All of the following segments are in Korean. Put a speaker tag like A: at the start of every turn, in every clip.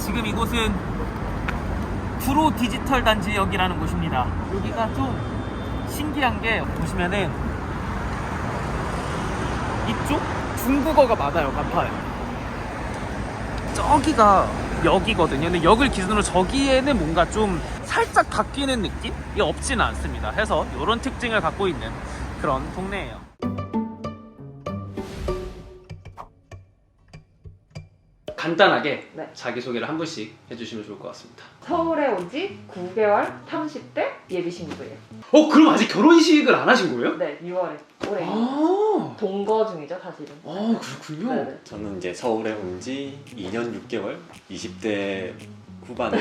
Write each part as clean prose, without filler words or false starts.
A: 지금 이곳은 프로 디지털 단지역이라는 곳입니다. 여기가 좀 신기한 게 보시면은 이쪽 중국어가 많아요. 간판에 저기가 역이거든요. 근데 역을 기준으로 저기에는 뭔가 좀 살짝 바뀌는 느낌이 없지는 않습니다. 해서 이런 특징을 갖고 있는 그런 동네예요. 간단하게
B: 네.
A: 자기소개를 한 분씩 해주시면 좋을 것 같습니다.
B: 서울에 온 지 9개월 30대 예비 신부예요.
A: 그럼 아직 결혼식을 안 하신 거예요?
B: 네, 6월에 올해
A: 아,
B: 동거 중이죠, 사실은.
A: 그렇군요.
B: 네네.
C: 저는 이제 서울에 온 지 2년 6개월 20대 후반의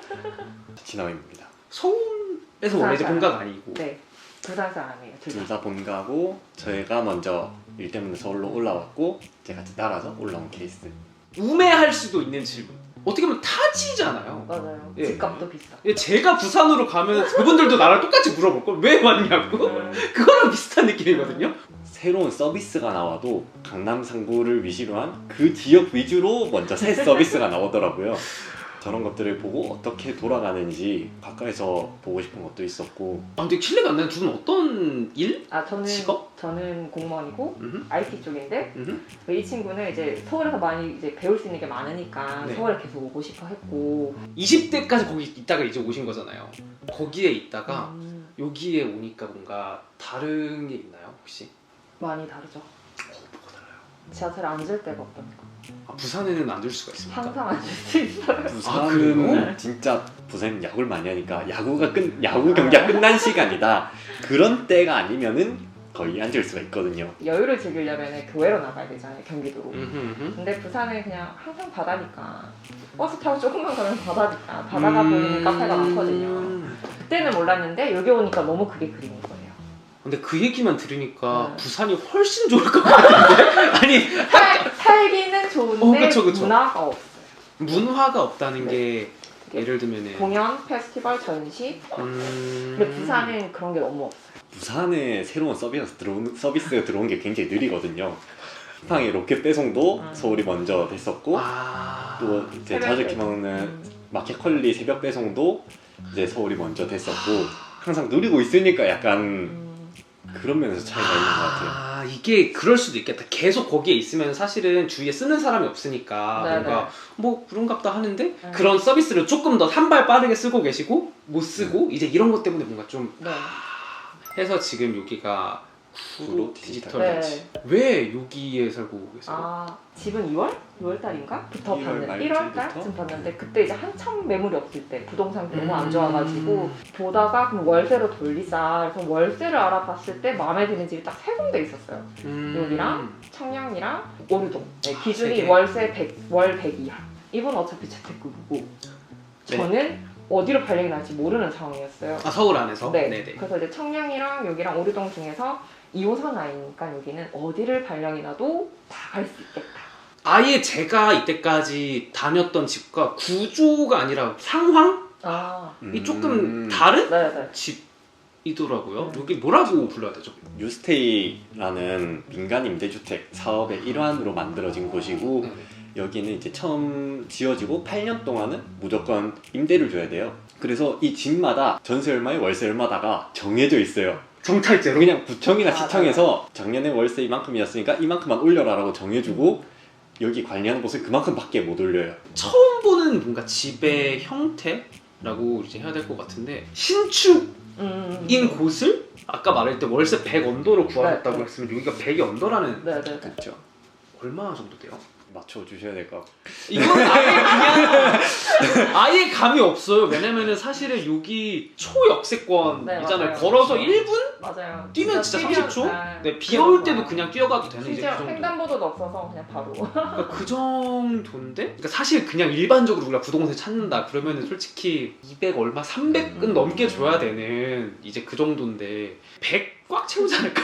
C: 진화입니다.
A: 서울에서 원래 이제 본가가 아니고.
B: 네, 부산 사람이에요.
C: 둘 다 본가고 저희가 먼저 일 때문에 서울로 올라왔고 제가 같이 따라서 올라온 케이스.
A: 우매할 수도 있는 질문. 어떻게 보면 타지잖아요.
B: 맞아요.
A: 예.
B: 집값도 비싸.
A: 제가 부산으로 가면 그분들도 나랑 똑같이 물어볼 걸. 왜 왔냐고? 그거랑 비슷한 느낌이거든요.
C: 새로운 서비스가 나와도 강남 상구를 위시로 한 그 지역 위주로 먼저 새 서비스가 나오더라고요. 저런 것들을 보고 어떻게 돌아가는지 가까이서 보고 싶은 것도 있었고.
A: 근데 실례가 안 나요. 두 분 어떤 일?
B: 저는 공무원이고
A: 음흠.
B: IT 쪽인데
A: 음흠.
B: 이 친구는 이제 서울에서 많이 이제 배울 수 있는 게 많으니까
A: 네.
B: 서울에 계속 오고 싶어 했고
A: 20대까지 거기 있다가 이제 오신 거잖아요. 거기에 있다가
B: 음,
A: 여기에 오니까 뭔가 다른 게 있나요, 혹시?
B: 많이 다르죠.
A: 뭐가 달라요?
B: 지하철에 앉을 데가 없다니까.
A: 부산에는 안 들 수가 있습니까?
B: 항상 앉을 수 있어요.
C: 부산은
A: 그래요?
C: 진짜 부산 야구를 많이 하니까 야구 경기가 끝난 시간이다. 그런 때가 아니면은 거의 앉을 수가 있거든요.
B: 여유를 즐기려면 교외로 나가야 되잖아요, 경기도로.
A: 음흠.
B: 근데 부산은 그냥 항상 바다니까 버스 타고 조금만 가면 바다니까 바다가 보이는 카페가 많거든요. 그때는 몰랐는데 여기 오니까 너무 그게 그리운 거예요.
A: 근데 그 얘기만 들으니까
B: 네.
A: 부산이 훨씬 좋을 것 같은데? 아니
B: 살기는 좋은데
A: 그쵸.
B: 문화가 없어요.
A: 문화가 없다는
B: 네.
A: 게 예를 들면은
B: 공연, 페스티벌, 전시. 근데 부산은 그런 게 너무 없어요.
C: 부산에 새로운 서비스가 들어온 게 굉장히 느리거든요. 쿠팡의 로켓 배송도 서울이 먼저 됐었고 또 이제
B: 새벽
C: 자주
B: 배송.
C: 먹는 마켓컬리 새벽 배송도 이제 서울이 먼저 됐었고 항상 누리고 있으니까 약간 그런 면에서 차이가 있는 것 같아요.
A: 이게 그럴 수도 있겠다. 계속 거기에 있으면 사실은 주위에 쓰는 사람이 없으니까
B: 네네.
A: 뭔가 뭐 그런갑다 하는데 그런 서비스를 조금 더 한 발 빠르게 쓰고 계시고 못 쓰고 이제 이런 것 때문에 뭔가 좀
B: 네.
A: 해서 지금 여기가 프로 디지털
B: 네.
A: 단지. 왜 여기에 살고 계세요?
B: 집은 2월 달인가? 부터
C: 1월
B: 봤는데
C: 말쯤부터?
B: 1월달쯤 봤는데 그때 이제 한참 매물이 없을 때 부동산이 너무 안 좋아가지고 보다가 그럼 월세로 돌리자 그래서 월세를 알아봤을 때 마음에 드는 집이 딱 3군데 있었어요. 여기랑 청량이랑 오류동. 네,
A: 세
B: 기준이
A: 개.
B: 월세 100, 월 100 이하. 이분 어차피 재택근무고
A: 네.
B: 저는 어디로 발령이 날지 모르는 상황이었어요.
A: 서울 안에서?
B: 네.
A: 네네.
B: 그래서 이제 청량이랑 여기랑 오류동 중에서 2호선 라인이니까 여기는 어디를 발령이 나도 다 갈 수 있겠다.
A: 아예 제가 이때까지 다녔던 집과 구조가 아니라 상황이 조금 다른
B: 네네.
A: 집이더라고요. 여기 뭐라고 불러야 되죠?
C: 뉴스테이라는 민간 임대주택 사업의 일환으로 만들어진 곳이고 여기는 이제 처음 지어지고 8년 동안은 무조건 임대를 줘야 돼요. 그래서 이 집마다 전세 얼마에 월세 얼마다가 정해져 있어요.
A: 정찰제로?
C: 그냥 구청이나 시청에서 작년에 월세 이만큼이었으니까 이만큼만 올려라라고 정해주고 여기 관리하는 곳은 그만큼밖에 못 올려요.
A: 처음 보는 뭔가 집의 형태라고 이제 해야 될 것 같은데 신축인 곳을 아까 말할 때 월세 100 언더로 구하겠다고
B: 네.
A: 했으면 여기가 100이 언더라는
B: 네네.
C: 그렇죠.
A: 얼마 정도 돼요?
C: 맞춰주셔야 될 것 같고.
A: 이건 아예 그냥 아예 감이 없어요. 왜냐면은 사실은 여기 초역세권이잖아요.
B: 네, 맞아요.
A: 걸어서 1분?
B: 맞아요.
A: 뛰면 진짜
B: 뛰면,
A: 30초? 네, 비
B: 그런
A: 올 때도
B: 거야.
A: 그냥 뛰어가도 되는 이제 그
B: 심지어
A: 정도.
B: 횡단보도도 없어서 그냥 바로.
A: 그러니까 그 정도인데? 그러니까 사실 그냥 일반적으로 우리가 부동산 찾는다 그러면은 솔직히 200 얼마 300은 넘게 줘야 되는 이제 그 정도인데 100 꽉 채우지 않을까?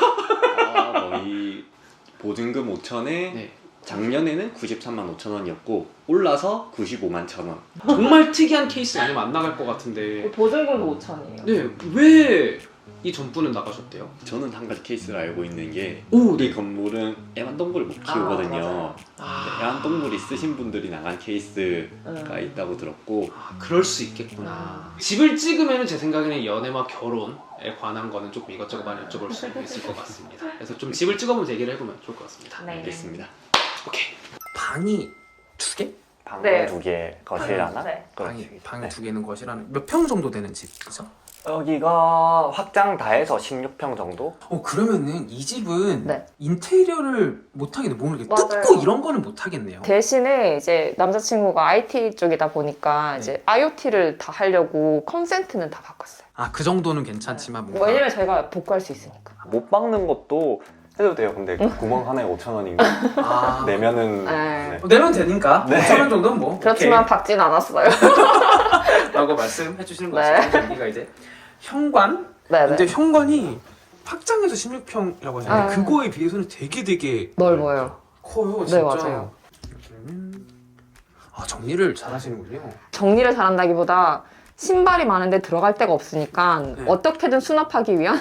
C: 거의 보증금 5천에
A: 네.
C: 작년에는 93만 5천 원이었고 올라서 95만 1천 원.
A: 정말 특이한 케이스 아니면 안 나갈 것 같은데
B: 보증금도 5천이에요.
A: 네, 왜 이 전분은 나가셨대요.
C: 저는 한 가지 케이스를 알고 있는 게
A: 오,
C: 이 건물은 애완동물을 못 키우거든요.
B: 맞아요.
C: 애완동물 있으신 분들이 나간 케이스가 있다고 들었고
A: 그럴 수 있겠구나. 집을 찍으면 제 생각에는 연애와 결혼에 관한 거는 조금 이것저것 많이 여쭤볼 수 있을 것 같습니다. 그래서 좀 집을 찍어보면서 얘기를 해보면 좋을 것 같습니다.
B: 네.
C: 알겠습니다.
A: 오케이. 방이 2개?
C: 방은
B: 네.
C: 2개, 거실 하나?
B: 네.
A: 방이
C: 네.
A: 2개 있는 거실하는 몇 평 정도 되는 집이죠?
C: 여기가 확장 다 해서 16평 정도?
A: 그러면은 이 집은
B: 네.
A: 인테리어를 못 하겠네. 뭔가 이렇게
B: 맞아요.
A: 뜯고 이런 거는 못 하겠네요.
B: 대신에 이제 남자친구가 IT 쪽이다 보니까 이제 IoT를 다 하려고 컨센트는 다 바꿨어요.
A: 그 정도는 괜찮지만 뭔가
B: 왜냐면 저희가 복구할 수 있으니까.
C: 못 박는 것도 해도 돼요. 근데 구멍 하나에 5,000원인가? 내면은
B: 네.
A: 내면 되니까
C: 네.
A: 5,000원 정도는 뭐
B: 그렇지만 박진 않았어요.
A: 오케이. 라고 말씀해 주시는 것
B: 네.
A: 같습니다. 여기가 이제 현관?
B: 네네.
A: 근데 현관이 확장해서 16평이라고 하잖아요.
B: 아.
A: 그거에 비해서는 되게
B: 넓어요.
A: 커요.
B: 네,
A: 진짜.
B: 맞아요.
A: 여기는 정리를 잘 하시는군요.
B: 정리를 잘한다기보다 신발이 많은데 들어갈 데가 없으니까
A: 네.
B: 어떻게든 수납하기 위한.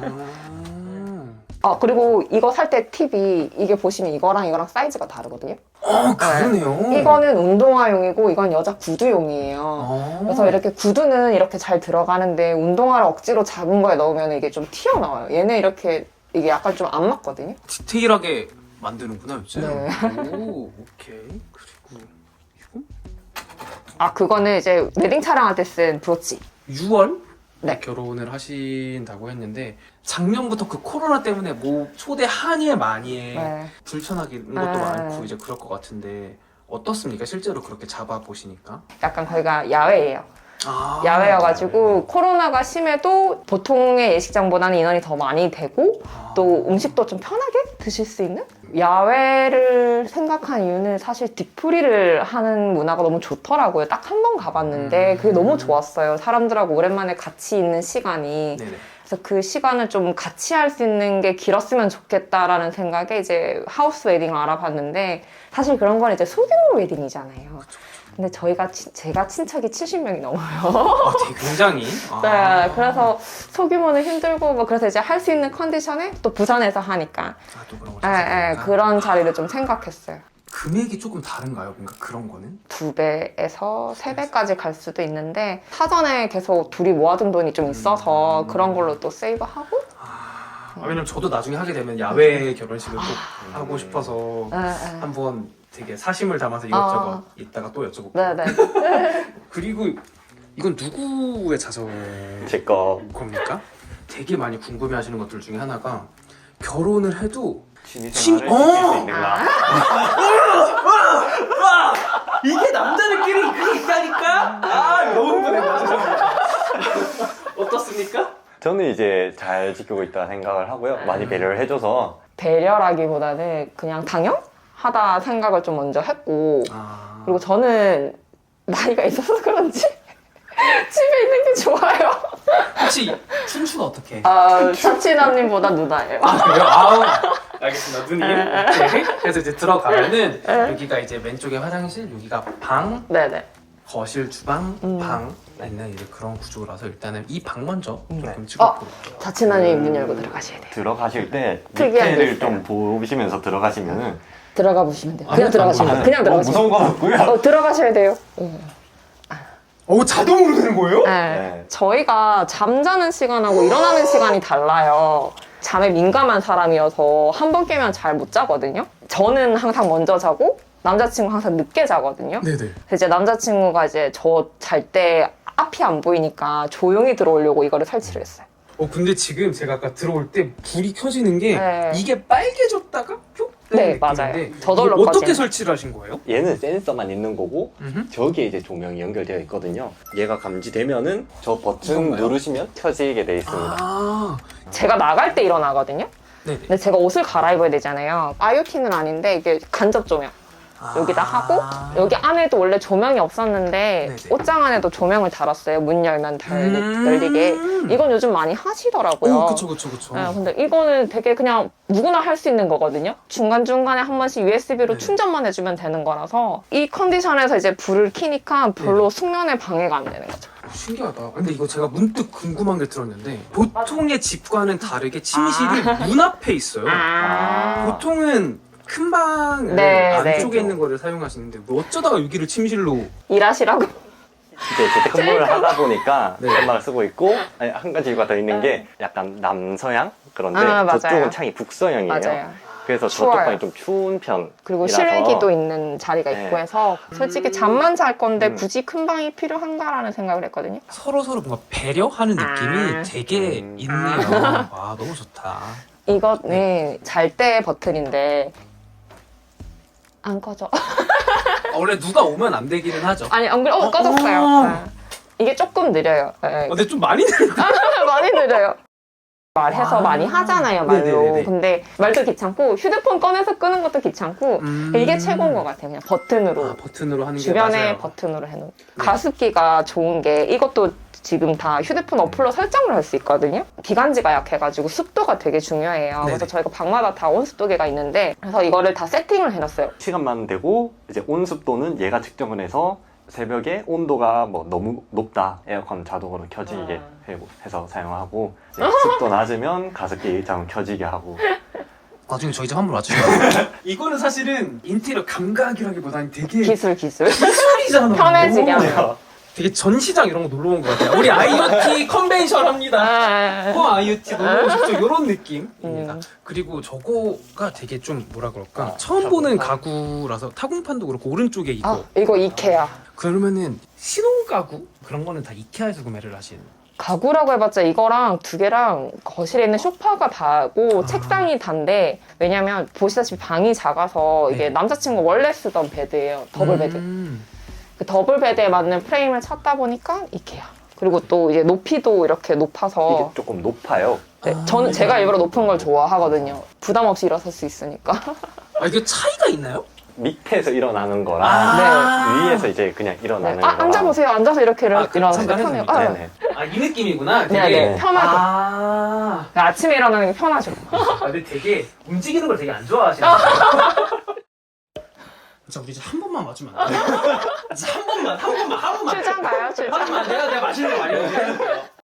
A: 아,
B: 그리고 이거 살 때 팁이 이게 보시면 이거랑 사이즈가 다르거든요.
A: 그러네요.
B: 이거는 운동화용이고 이건 여자 구두용이에요. 그래서 이렇게 구두는 이렇게 잘 들어가는데 운동화를 억지로 작은 거에 넣으면 이게 좀 튀어나와요. 얘는 이렇게 이게 약간 좀 안 맞거든요.
A: 디테일하게 만드는구나 요즘.
B: 네.
A: 오, 오케이. 그리고 이거
B: 그거는 이제 웨딩 촬영할 때 쓴 브로치.
A: 6월
B: 네.
A: 결혼을 하신다고 했는데 작년부터 그 코로나 때문에 뭐 초대 한예 많이에
B: 네.
A: 불편하게 것도
B: 네.
A: 많고 이제 그럴 것 같은데 어떻습니까? 실제로 그렇게 잡아 보시니까?
B: 약간 거기가 야외예요. 야외여가지고 코로나가 심해도 보통의 예식장보다는 인원이 더 많이 되고 또 음식도 좀 편하게 드실 수 있는? 야외를 생각한 이유는 사실 뒤풀이를 하는 문화가 너무 좋더라고요. 딱 한 번 가봤는데 그게 너무 좋았어요. 사람들하고 오랜만에 같이 있는 시간이.
A: 네네.
B: 그래서 그 시간을 좀 같이 할 수 있는 게 길었으면 좋겠다라는 생각에 이제 하우스 웨딩을 알아봤는데 사실 그런 건 이제 소규모 웨딩이잖아요. 근데 제가 친척이 70명이 넘어요.
A: 되게 굉장히.
B: 네, 그래서 소규모는 힘들고 뭐 그래서 이제 할 수 있는 컨디션에 또 부산에서 하니까
A: 또 그런 거
B: 예,
A: 찾아보니까.
B: 그런 자리를 좀 생각했어요.
A: 금액이 조금 다른가요? 뭔가 그런 거는?
B: 2배에서 3배까지 갈 수도 있는데 사전에 계속 둘이 모아둔 돈이 좀 있어서 그런 걸로 또 세이브하고
A: 왜냐면 저도 나중에 하게 되면 야외 결혼식을 꼭 하고 싶어서
B: 네, 네.
A: 한번 되게 사심을 담아서 이것저것 이따가 또 여쭤볼게요.
B: 네네.
A: 그리고 이건 누구의 자서
C: 제 거.
A: 겁니까? 되게 많이 궁금해하시는 것들 중에 하나가 결혼을 해도
C: 취미생활을
A: 어!
C: 지킬 수 있는가?
A: 이게 남자들끼리 그게 있다니까? 너무 궁금해. 죄송합니다. 어떻습니까?
C: 저는 이제 잘 지키고 있다 생각을 하고요. 많이 배려를 해줘서
B: 배려라기보다는 그냥 당연하다 생각을 좀 먼저 했고 그리고 저는 나이가 있어서 그런지 집에 있는 게 좋아요.
A: 혹시 춘추가 어떻게?
B: 차치남님보다 누나예요.
A: 그래요? 알겠습니다. 누님. 오케이. 그래서 이제 들어가면은 여기가 이제 왼쪽에 화장실, 여기가 방,
B: 네네.
A: 거실, 주방, 방 있는 이제 그런 구조라서 일단은 이 방 먼저 조금
C: 네.
A: 찍어볼게요.
B: 차치남님 문 열고 들어가셔야 돼요.
C: 들어가실 때
B: 특이한 게
C: 밑에를
B: 있어요.
C: 좀 보시면서 들어가시면은
B: 들어가 보시면 돼요. 그냥 들어가시면 돼요. 그냥 들어가시면
C: 무서운 건 없고요.
B: 들어가셔야 돼요.
A: 자동으로 되는 거예요?
B: 네. 저희가 잠자는 시간하고 일어나는 시간이 달라요. 잠에 민감한 사람이어서 한 번 깨면 잘 못 자거든요. 저는 항상 먼저 자고 남자친구 항상 늦게 자거든요.
A: 네네.
B: 그래서 이제 남자친구가 이제 저 잘 때 앞이 안 보이니까 조용히 들어오려고 이거를 설치를 했어요.
A: 근데 지금 제가 아까 들어올 때 불이 켜지는 게
B: 네.
A: 이게 빨개졌다가 뿅
B: 네,
A: 뜨는
B: 맞아요.
A: 느낌인데
B: 저절로
A: 이거 어떻게
B: 꺼지는.
A: 설치를 하신 거예요?
C: 얘는 센서만 있는 거고 저기에 이제 조명이 연결되어 있거든요. 얘가 감지되면은 저 버튼
A: 이건가요?
C: 누르시면 켜지게 돼 있습니다.
B: 제가 나갈 때 일어나거든요.
A: 네네.
B: 근데 제가 옷을 갈아입어야 되잖아요. IoT는 아닌데 이게 간접 조명. 여기다 하고 여기 안에도 원래 조명이 없었는데
A: 네네.
B: 옷장 안에도 조명을 달았어요. 문 열면 열리게. 이건 요즘 많이 하시더라고요.
A: 그쵸.
B: 네, 근데 이거는 되게 그냥 누구나 할 수 있는 거거든요. 중간중간에 한 번씩 USB로
A: 네.
B: 충전만 해주면 되는 거라서 이 컨디션에서 이제 불을 켜니까 별로 숙면에 방해가 안 되는 거죠.
D: 신기하다. 근데 이거 제가 문득 궁금한 게 들었는데 보통의 집과는 다르게 침실이 문 앞에 있어요. 보통은 큰 방을
B: 네,
D: 안쪽에
B: 네.
D: 있는 거를 사용하시는데 뭐 어쩌다가 여기를 침실로
B: 일하시라고.
C: 이제 재택근무를 하다 보니까
D: 네.
C: 현방을 쓰고 있고 아니, 한 가지가 더 있는 게 약간 남서양 그런데
B: 맞아요.
C: 저쪽은 창이 북서양이에요.
B: 맞아요.
C: 그래서
B: 추워요.
C: 저쪽 방이 좀 추운 편.
B: 그리고
C: 이라서.
B: 실외기도 있는 자리가
C: 네.
B: 있고 해서 솔직히 잠만 잘 건데
C: 음.
B: 굳이 큰 방이 필요한가라는 생각을 했거든요.
D: 서로 뭔가 배려하는 느낌이 되게 있네요. 와 너무 좋다.
B: 이거는 잘 때 버튼인데 안 꺼져.
D: 원래 누가 오면 안 되기는 하죠.
B: 아니 안 그래? 꺼졌어요. 네. 이게 조금 느려요. 네.
D: 근데 좀 많이 느린다.
B: 많이 느려요. 말해서 많이 하잖아요, 말로.
D: 네네네네.
B: 근데 말도 귀찮고 휴대폰 꺼내서 끄는 것도 귀찮고 이게 최고인 것 같아요. 그냥 버튼으로.
D: 버튼으로 하는 게
B: 주변에
D: 맞아요.
B: 버튼으로 해놓은.
D: 네.
B: 가습기가 좋은 게 이것도 지금 다 휴대폰 어플로 설정을 할 수 있거든요. 기관지가 약해가지고 습도가 되게 중요해요.
D: 네네.
B: 그래서 저희가 방마다 다 온습도계가 있는데 그래서 이거를 다 세팅을 해놨어요.
C: 시간만 되고 이제 온습도는 얘가 측정을 해서 새벽에 온도가 뭐 너무 높다 에어컨 자동으로 켜지게 해서 사용하고 이제 습도 낮으면 가습기 자동 켜지게 하고
D: 나중에 저희 집 한번 와주세요. 이거는 사실은 인테리어 감각이라기보다는 되게
B: 기술.
D: 기술이잖아.
B: 편해지게
D: 오.
B: 하는.
D: 되게 전시장 이런 거 놀러 온 것 같아요. 우리 IoT 컨벤션 합니다. IoT 놀러 오십시오. 이런 느낌입니다. 그리고 저거가 되게 좀 뭐라 그럴까 처음 보는 가구라서 타공판도 그렇고 오른쪽에 있고
B: 아, 이거 이케아.
D: 그러면은 신혼 가구 그런 거는 다 이케아에서 구매를 하시는.
B: 가구라고 해봤자 이거랑 두 개랑 거실에 있는 소파가 다고 책상이 단데 왜냐면 보시다시피 방이 작아서 이게
D: 네.
B: 남자친구 원래 쓰던 베드예요. 더블 베드. 그 더블 베드에 맞는 프레임을 찾다 보니까 이케아. 그리고 또 이제 높이도 이렇게 높아서
C: 이게 조금 높아요.
B: 네, 저는 제가 일부러 높은 걸 좋아하거든요. 부담 없이 일어설 수 있으니까.
D: 이게 차이가 있나요?
C: 밑에서 일어나는 거랑 위에서 이제 그냥 일어나는 거랑
B: 앉아보세요. 앉아서 이렇게 일어나서
D: 잠깐
B: 편해요.
D: 해도
C: 네네.
D: 이 느낌이구나.
B: 네, 네, 편하죠.
D: 아,
B: 아침에 일어나는 게 편하죠.
D: 근데 되게 움직이는 걸 되게 안 좋아하시는 진짜 우리 이제 한 번만 맞으면 안 돼요? 진짜 한 번만.
B: 출장 가요, 출장.
D: 내가 맛있는 거 많이 먹을게요.